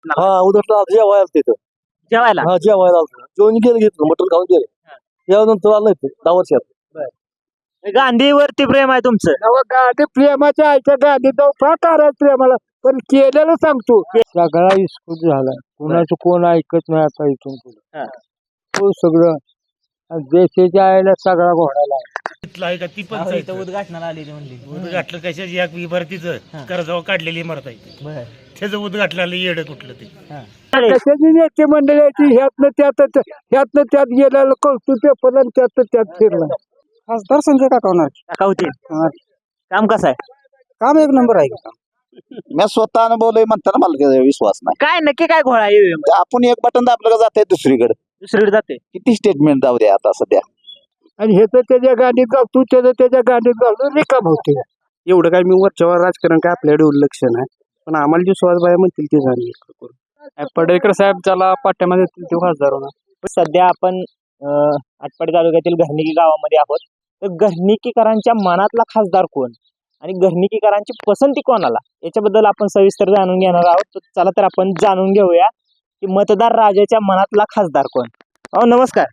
हा उद्या जेवायला तिथं जेवायला जेवायला जेवण गेलं घेतलं मटण खाऊन गेले त्यानंतर आलं 10 वर्षात गांधीवरती प्रेम आहे तुमचं. गाडी प्रेमाच्या आईच्या गाडी जाऊ फार प्रेमाला पण केलेलं सांगतो सगळा इस्कूट झाला कोणाचं कोण ऐकत नाही आता इथून हा. पुढे सगळं आणि देशाच्या आईला सगळा घोडाला आहे का ती पण इथं उद्घाटनाला आलेली म्हणली. उद्घाटलं कशाची या इमारतीचं कर्जावर काढलेली इमारत आहे बर त्याचं उद्घाटनाला येडं कुठलं ते कशाची नेते मंडळाची ह्यातनं त्यात गेलेलं कौतुक पेपर आणि त्यात फिरला खासदार संजय काका होणार काका होतील. काम कसं आहे? काम एक नंबर आहे मी स्वतः अनुभवलंय म्हणताना मला काही विश्वास नाही काय नक्की काय घोळा आहे? ते आपण एक बटन दाबलं का जाते दुसरीकडे दुसरीकडे जाते. किती स्टेटमेंट जाऊ द्या आता सध्या आणि हे तर त्याच्या गाडीत घालतो त्याच्या गाडीत घालून रिकाम होते एवढं काय मी वरच्यावर राजकारण काय आपल्याकडे उल्लक्ष नाही पण आम्हाला जे सुहासबाई म्हणतील ते झाले पडळकर साहेब ज्याला पाट्यामध्ये येतील ते खासदार होणार. सध्या आपण आटपाडी तालुक्यातील घरणिकी गावामध्ये आहोत. तर घरणिकीकरांच्या मनातला खासदार कोण आणि घरणिकीकरांची पसंती कोणाला याच्याबद्दल आपण सविस्तर जाणून घेणार आहोत. तर चला तर आपण जाणून घेऊया की मतदार राजाच्या मनातला खासदार कोण. नमस्कार.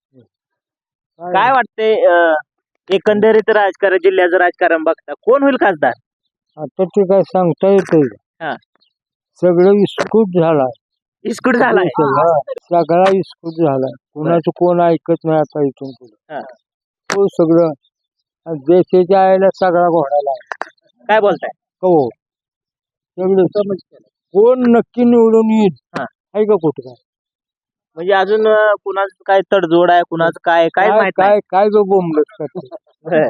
काय वाटते एकंदरीत राजकारण जिल्ह्याचं राजकारण बघता कोण होईल खासदार? आता ते काय सांगता येते हा. सगळं इस्कूट झाला इस्कूट झालाय. सगळा इस्कूट झाला कोणाचं कोण ऐकत नाही आता इथून हा. पुढे सगळं आणि देशाच्या आईला सगळा घोडाला काय बोलताय? हो सगळं कोण नक्की निवडून येईल हा. आहे का कुठं काय म्हणजे अजून कुणाचं काय तडजोड आहे कुणाचं काय काय माहित काय काय जो बोंबलत करते नाही.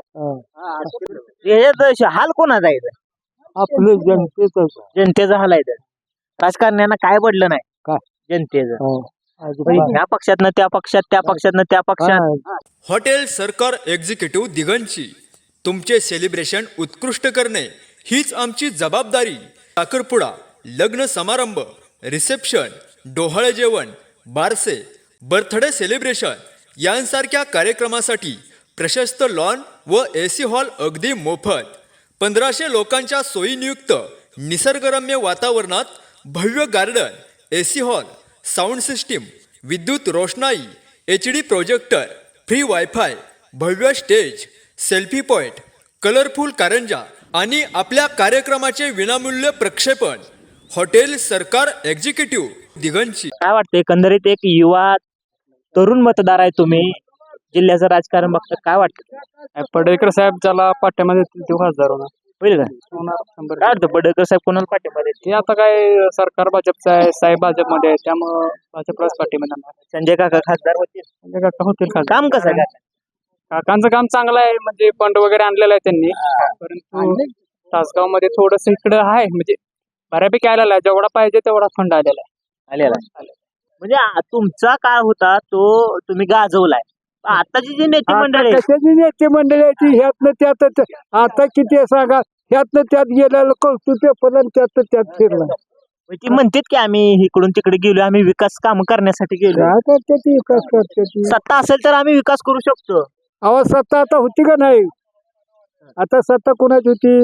याच्यात हाल कोणाचा आहे इथं? आपलं जनतेच जनतेचा हाल आहे इथं. राजकारण्यांना काय पडलं नाही काय? जनतेचं ह्या पक्षातनं त्या पक्षात त्या पक्षातनं त्या पक्षात. हॉटेल सरकार एक्झिक्युटिव्ह दिगंची तुमचे सेलिब्रेशन उत्कृष्ट करणे हीच आमची जबाबदारी. साखरपुडा, लग्न समारंभ, रिसेप्शन, डोहाळे जेवण, बारसे, बर्थडे सेलिब्रेशन यांसारख्या कार्यक्रमासाठी प्रशस्त लॉन व AC हॉल अगदी मोफत. 1500 लोकांच्या सोयीनियुक्त निसर्गरम्य वातावरणात भव्य garden, AC hall, sound system, विद्युत रोषणाई, HD प्रोजेक्टर, फ्री वायफाय, भव्य स्टेज, सेल्फी पॉइंट, कलरफुल कारंजा आणि आपल्या कार्यक्रमाचे विनामूल्य प्रक्षेपण. हॉटेल सरकार एक्झिक्युटिव्ह दिगंची. काय वाटतं एकंदरीत एक युवा तरुण मतदार आहे तुम्ही जिल्ह्याचं राजकारण बघता काय वाटतं? पडळकर साहेब ज्याला पाट्यामध्ये येतील ते खासदार होणार. होईल का? होणार काय वाटतं पडळकर साहेब कोणाला पाठिंबा देतील? ते आता काय सरकार भाजपचं आहे साहेब भाजपमध्ये आहे त्यामुळं भाजपलाच पाठीमध्ये येणार. संजय काका खासदार होतील. म्हणजे काका होतील खासदार. काम कसं आहे काका? काकांचं काम चांगलं आहे म्हणजे फंड वगैरे आणलेलं आहे त्यांनी परंतु तासगाव मध्ये थोडस इकडं आहे म्हणजे बऱ्यापैकी आलेला आहे जेवढा पाहिजे तेवढा फंड आलेला आहे. आलेला म्हणजे तुमचा काळ होता तो तुम्ही गाजवलाय. आताची जी नेते मंडळी आहे, कशाची नेते मंडळाची ह्यातनं त्यात आता किती आहे सांगा ह्यातनं त्यात गेलेलं कौतुक पेपर आणि त्यात फिरला ती म्हणतात की आम्ही इकडून तिकडे गेलो आम्ही विकास काम करण्यासाठी गेलो. काय करते ती विकास करते ती सत्ता असेल तर आम्ही विकास करू शकतो. आवाज सत्ता आता होती का नाही आता सत्ता कोणाची होती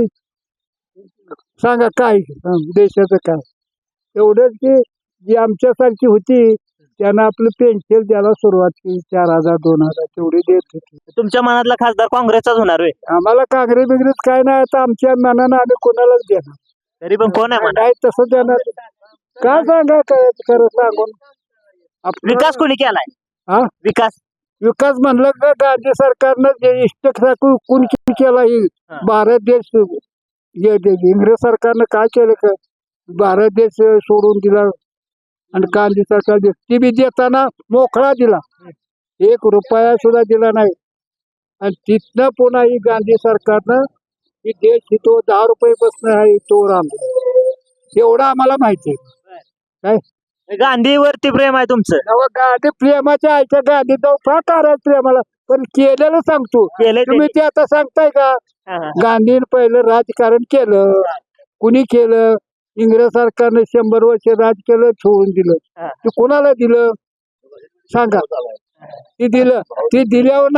सांगा काय देशाचं काय एवढंच की जी आमच्यासारखी होती त्यांना आपलं पेन्शन द्यायला सुरुवात केली 4000 2000 तेवढी देत होती. तुमच्या मनातला खासदार काँग्रेसचाच होणार होय? आम्हाला काँग्रेस बिग्रेस काय नाही आता आमच्या मनानं आम्ही कोणालाच देणार तरी पण कोण आहे म्हणा? काय तसं देणार काय सांगा काय खरं सांगून विकास कोणी केलाय? हा विकास म्हणलं का गांधी सरकारनं जे इष्टक कुणी केला ही भारत देश इंग्रज सरकारनं काय केलं का भारत देश सोडून दिला आणि गांधी सरकार ती बी देताना मोकळा दिला 1 रुपया सुद्धा दिला नाही आणि तिथनं पुन्हा ही गांधी सरकारनं ही देश हितो 10 रुपये बसणं आहे तो राम एवढं आम्हाला माहिती आहे. काय गांधीवरती प्रेम आहे तुमचं? गांधी प्रेमाच्या आईच्या गांधी जाऊ फार प्रेमाला पण केलेलं सांगतो केलंय तुम्ही ते आता सांगताय का गांधीने पहिलं राजकारण केलं कुणी केलं इंग्रज सरकारनं 100 वर्ष राज केलं सोडून दिलं ते कोणाला दिलं सांगा ती दिल्यावर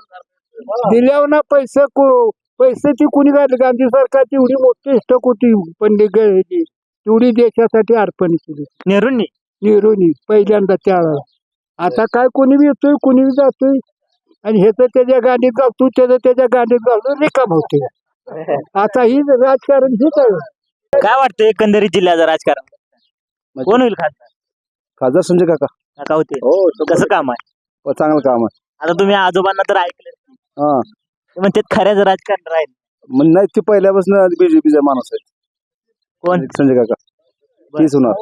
ना पैसे ती कुणी काढले गांधी सरकारची एवढी मोठी स्टक होती पंडित तेवढी देशासाठी अर्पण केली नेहरूंनी नेहरूंनी पहिल्यांदा त्यावेळेला. आता काय कोणी बी येतोय कोणी बी जातोय आणि ह्याचं त्याच्या गाडीत घालतो त्याचं त्याच्या गाडीत घालून रिकाम होते. आता ही राजकारण हेच आहे. काय वाटतं एकंदरीत जिल्ह्याचं राजकारण कोण होईल खासदार? खासदार संजय काका काका होते हो कसं काम आहे? चांगलं काम आहे. आता तुम्ही आजोबांना तर ऐकलं हा ते म्हणते खऱ्याच राजकारण राहील. मग नाही ते पहिल्यापासून बीजेपीचा माणूस आहे कोण? संजय काका तीच होणार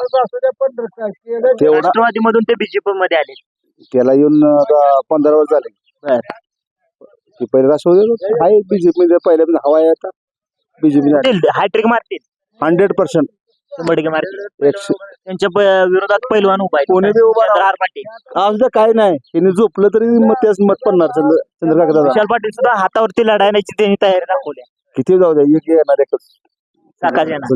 तेवढा राष्ट्रवादी मधून ते बीजेपी मध्ये आले. त्याला येऊन आता 15 वर्ष झाले. बर. ते पहिले राष्ट्रवादी आहे बीजेपी पहिल्यापासून हवा आहे आता बीजेपी हॅट्रिक मारतील 100%. 100% मारतील. त्यांच्या विरोधात पैलवान उभा आहे कोणी बी उभा राहा. चंद्रहार पाटील. आज काय नाही त्यांनी झोपलं तरी मग त्याच मत पडणार चंद्रकाका दादा. विशाल पाटील सुद्धा हातावरती लढायची त्यांनी तयारी दाखवली. किती जाऊ द्या एक येणार एकच काकाजी यांना.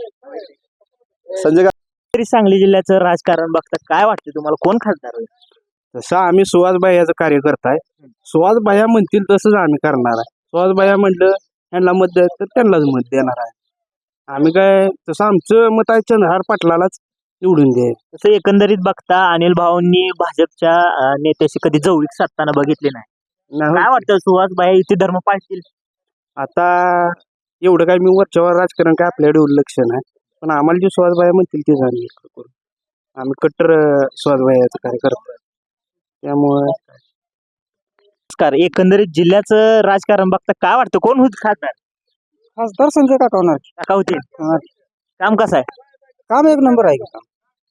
संजय काका तरी सांगली जिल्ह्याचं राजकारण बघता काय वाटतं तुम्हाला कोण खासदार होईल? तसं आम्ही सुहास भाईयाचं कार्य करताय. सुहास भाईया म्हणतील तसंच आम्ही करणार आहे. सुहास भाईया म्हटलं यांना मत द्यायचं तर त्यांनाच मत देणार आहे. आम्ही काय तसं आमचं मत आहे चंद्रहार पाटलालाच निवडून द्यायचं. तसं एकंदरीत बघता अनिल भाऊंनी भाजपच्या नेत्याशी कधी जवळीक साधताना बघितले नाही. नाही काय वाटतं सुहास भाई इथे धर्म पाळतील? आता एवढं काय मी वरच्यावर राजकारण काय आपल्याकडे एवढं लक्ष नाही, पण आम्हाला जे सुहास भाई म्हणतील तेच आम्ही करू. आम्ही कट्टर सुहास भाईयाचं कार्य करतो. त्यामुळे नमस्कार. एकंदरीत जिल्ह्याचं राजकारण बघता काय वाटतं कोण होईल खासदार? खासदार संजय काका होणार. काका होतील. काम कसं आहे? काम एक नंबर आहे काम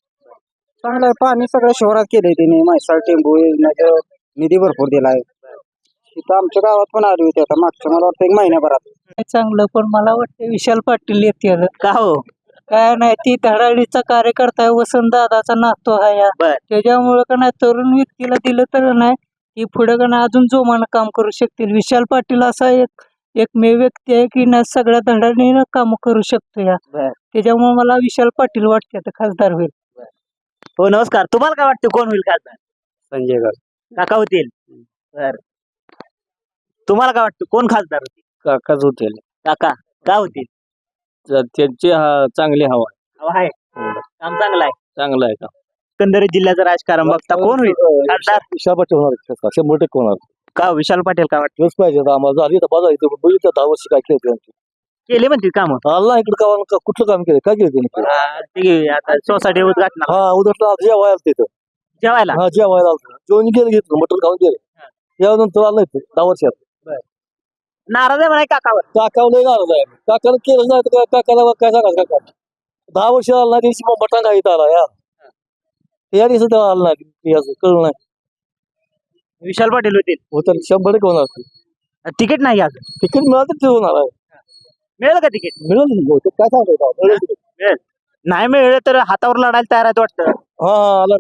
चांगलं आहे. पाणी सगळं शहरात केलंय त्यांनी. म्हैसाळ टेंबू योजनेचं निधी भरपूर दिलाय. इथं आमच्या गावात पण आली होती आता मागच्या मला वाटतं 1 महिन्याभरात. चांगलं पण मला वाटतं विशाल पाटील येतील. का हो? काय नाही ती धडाडीचा कार्यकर्ता आहे. वसंत दादाचा नातो आहे या. बर. त्याच्यामुळे का नाही तरुण व्यक्तीला दिलं तर नाही ती पुढे का नाही अजून जोमानं काम करू शकतील. विशाल पाटील असा एकमेव व्यक्ती आहे की ना सगळ्या धडाडीनं काम करू शकतो या. बर. त्याच्यामुळे मला विशाल पाटील वाटते आता खासदार होईल. हो नमस्कार. तुम्हाला काय वाटतं कोण होईल खासदार? संजय काका होतील. बर. तुम्हाला काय वाटतं कोण खासदार होतील? काकाच होतील. काका का होतील? त्यांची चांगली हवा हवा आहे. काम चांगलं आहे. चांगलं आहे का? एकंदरीत जिल्ह्याचं राजकारण बघता कोण होईल खासदार? विशाल पाटील होणार 100% होणार. का विशाल पाटील काय वाटतं? तेच पाहिजे आता आम्हाला. झाली तर बघा इथं बघितलं 10 वर्ष काय केलं केले म्हणतील काम? अल्ला इकडे कुठलं काम केलं काय केलं त्यांनी? आता सोसायटी उद्घाटन हा उद्या जेवायला आलं तिथं. जेवायला. हा जेवायला आलं जेवण गेलं घेतलं मटण खाऊन गेले. यानंतर आलं इथं 10 वर्षात. नाराज आहे म्हणाय काकावर. काकावर लय नाराज आहे. काकाला केलं नाही तर काकाला काय सांगायचं काका 10 वर्ष आला नाही दिवशी मटण खाईत आला या दिवशी तेव्हा आलं नाही असं कळलं नाही. विशाल पाटील होतील. होतं 100% होणार. तिकीट नाही अजून. तिकीट मिळालं तर ते होणार आहे. मिळेल का तिकीट? मिळेल काय सांगायचं मिळेल. नाही मिळेल तर हातावर लढायला तयार आहेत वाटतं. हा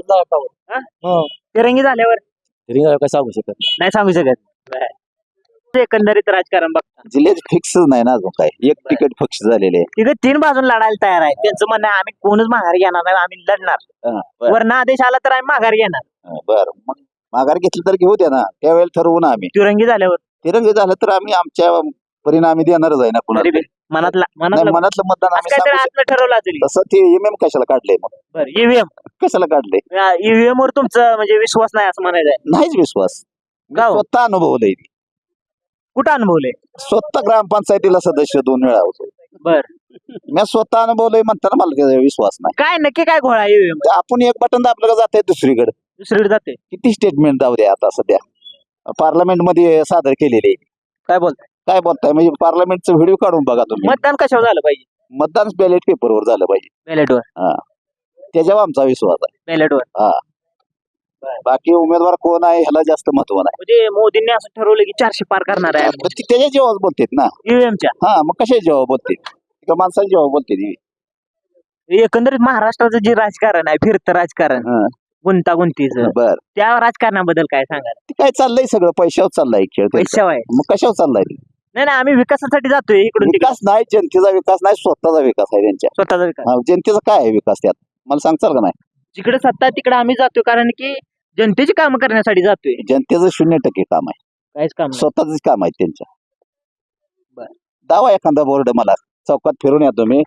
आला तिरंगी झाल्यावर काय सांगू शकत नाही सांगू शकत. एकंदरीत राजकारण बघता जिल्ह्यात फिक्स नाही ना अजून काय. एक तिकीट फिक्स झालेले आहे. तिथे 3 बाजून लढायला तयार आहे. त्यांचं म्हणणं आहे आम्ही कोणच माघार घेणार नाही आम्ही लढणार. वरनं आदेश आला तर आम्ही माघार घेणार. बरं मग माघार घेतली तर घेऊ द्या ना. त्यावेळेला ठरवू ना आम्ही. तिरंगी झाल्यावर तिरंगी झालं तर आम्ही आमच्या परिणामी देणारच आहे ना कुणाला. तरी बी मनातला नाही, मनातलं मतदान आम्ही काहीतरी सांगू शकतो. आतलं ठरवलं असेल. तसं ते ईएमएम कशाला काढलंय मग? बरं ईव्हीएम कशाला काढलंय? ईव्हीएम वर तुमचं म्हणजे विश्वास नाही असं म्हणायचं आहे. नाहीच विश्वास. मी का हो? स्वतः अनुभवलंय. कुठं अनुभवले? स्वतः ग्रामपंचायतीला सदस्य 2 वेळा होतो. बर. मी स्वतः अनुभवलंय म्हणताना मला काही विश्वास नाही. काय नक्की काय घोळा ईव्हीएम तर आपण एक बटन दाबलं का जाते दुसरीकडे. दुसरीकडे जाते? किती स्टेटमेंट जाऊ द्या आता सध्या पार्लमेंट मध्ये सादर केलेले. काय बोलताय? काय बोलताय म्हणजे पार्लमेंटचा व्हिडिओ काढून बघा तुम्ही. मतदान कशावर झालं पाहिजे? मतदान बॅलेट पेपरवर झालं पाहिजे. बॅलेटवर. त्याच्यावर आमचा विश्वास आहे. बॅलेटवर. हा बाकी उमेदवार कोण आहे ह्याला जास्त महत्व नाही. म्हणजे मोदींनी असं ठरवलं की 400 पार करणार आहे पण ती त्याच्या जेव्हा बोलतेत ना. ईव्हीएमच्या. हा मग कशा जेव्हा बोलते एका माणसाला जेव्हा बोलते. एकंदरीत महाराष्ट्राचं जे राजकारण आहे फिरतं राजकारण गुंतागुंतीचं बर त्या राजकारणाबद्दल काय सांगाल? ते काय चाललंय सगळं पैशावर चाललाय खेळ. पैशावर आहे. मग कशावर चाललाय? नाही नाही आम्ही विकासासाठी जातोय इकडून तिकडे. विकास नाही जनतेचा विकास नाही स्वतःचा विकास आहे त्यांच्या. स्वतःचा विकास. जनतेचा काय आहे विकास त्यात मला सांगचाल का? नाही जिकडे सत्ता आहे तिकडे आम्ही जातोय कारण की जनतेची कामं करण्यासाठी जातोय. जनतेचं 0% काम आहे. काहीच काम नाही. स्वतःच काम आहे त्यांच्या. बरं. दावा एखादा बोर्ड मला चौकात फिरून या तुम्ही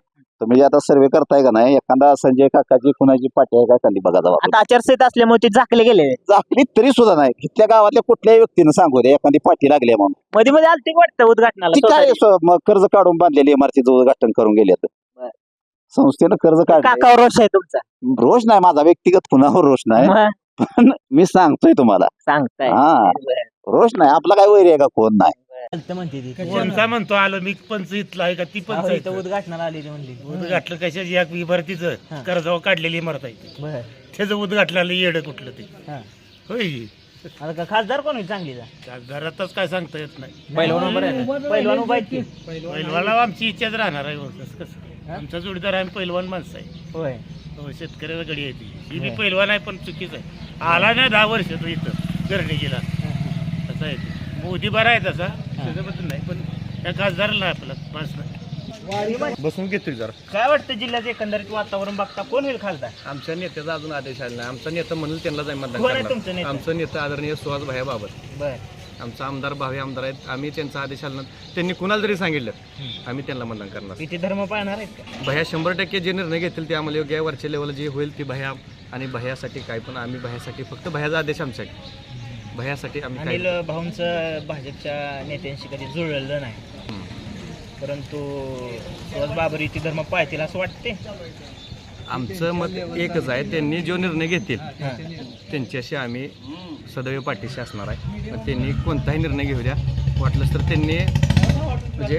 तुम्ही जे आता सर्वे करताय का नाही, एखादा संजय काकाची कुणाची पाठी आहे का खाली बघा जावा. आता आचारसंहिता असल्यामुळे ते झाकले गेले. झाकली तरी सुद्धा नाही, इथल्या गावातल्या कुठल्याही व्यक्तीनं सांगू दे एखादी पाठी लागली आहे म्हणून. मध्ये मध्ये आलते की वाटतं उद्घाटनाला ती काय society. मग कर्ज काढून बांधलेली इमारतीचं उद्घाटन करून गेले बरं. संस्थेनं कर्ज काढलं. काकावर रोष आहे तुमचा. रोष नाही माझा, व्यक्तिगत कुणावर रोष नाही, मग पण मी सांगतोय तुम्हाला. सांगताय. हा. बरं. रोष नाही, आपला काय वैर आहे का कोण नाही. म्हणते ती. कोणता म्हणतो आलो मी पंच इथला आहे का ती अहो, पंच इथं उद्घाटनाला आली म्हणली. उद्घाटलं कशाची एक इमारतीचं कर्जावर काढलेली इमारत आहे बरं. त्याचं उद्घाटनाला येडं कुठलं ते हा. होय. आता का खासदार कोण होईल चांगलीचा? घरातच काय सांगता येत नाही. पहिलवान उभा राहिला. पहिलवान उभा आहेत की? पहिलवाला आमची इच्छाच राहणार आहे. कसं आमचा जोडीदार आहे, पहिलवान माणसं आहे. होय. हो, शेतकऱ्याला गडी आहे ती. ही बी पहिलवान आहे पण चुकीच आहे. आला नाही 10 वर्ष तो इथं गर्णिकीला. असं आहे ते. मोदी बरा आहे तसा, त्याच्याबद्दल नाही, पण त्या खासदाराला आपला माणस नाही. बसून घेतोय जरा. काय वाटतं जिल्ह्यात एकंदरीत वातावरण बघता कोण होईल खासदार? आमच्या नेत्याचा अजून आदेश आला नाही. आमचा नेता म्हणून त्यांना जाईल मतदान कोण आहे करणार. तुमचं नेता? आमचा नेता आदरणीय सुहास भाया बाबर. बर. आमचा आमदार भावे आमदार आहेत. आम्ही त्यांचा आदेश आला त्यांनी कुणाला जरी सांगितलं आम्ही त्यांना मतदान करणार. किती धर्म पाळणार आहेत का? भया 100% जे निर्णय घेतील ते आम्हाला योग्य आहे. वरच्या लेवलला जे होईल ते भया आणि भयासाठी काय, पण आम्ही भयासाठी फक्त भयाचा आदेश आमच्याकडे. भयासाठी आम्ही काय अनिल भाऊंचं भाजपच्या नेत्यांशी कधी जुळलेलं नाही, परंतु सुहास बाबर इथे धर्म पाळतील असं वाटते. आमचं मत एकच आहे, त्यांनी जो निर्णय घेतील त्यांच्याशी आम्ही सदैव पाठीशी असणार आहे. पण त्यांनी कोणताही निर्णय घेऊ द्या, वाटलंच तर त्यांनी म्हणजे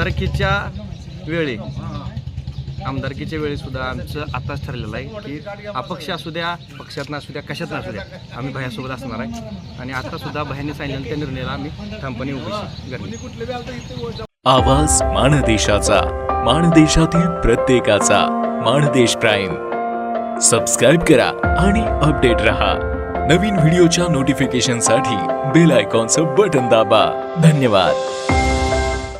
आमदारकीच्या वेळी सुद्धा आमचं आताच ठरलेलं आहे की अपक्ष असू द्या, पक्षात असू द्या, कशात असू द्या, आम्ही भयासोबत असणार आहे. आणि आता सुद्धा भयाने सांगितलेल्या त्या निर्णयाला आम्ही ठामपणे उभी करणार. आवाज माणदेशाचा, माणदेशातील प्रत्येकाचा. माणदेश प्राईम सबस्क्राईब करा आणि अपडेट रहा. नवीन व्हिडिओच्या नोटिफिकेशनसाठी बेल आयकॉनचं बटन दाबा. धन्यवाद.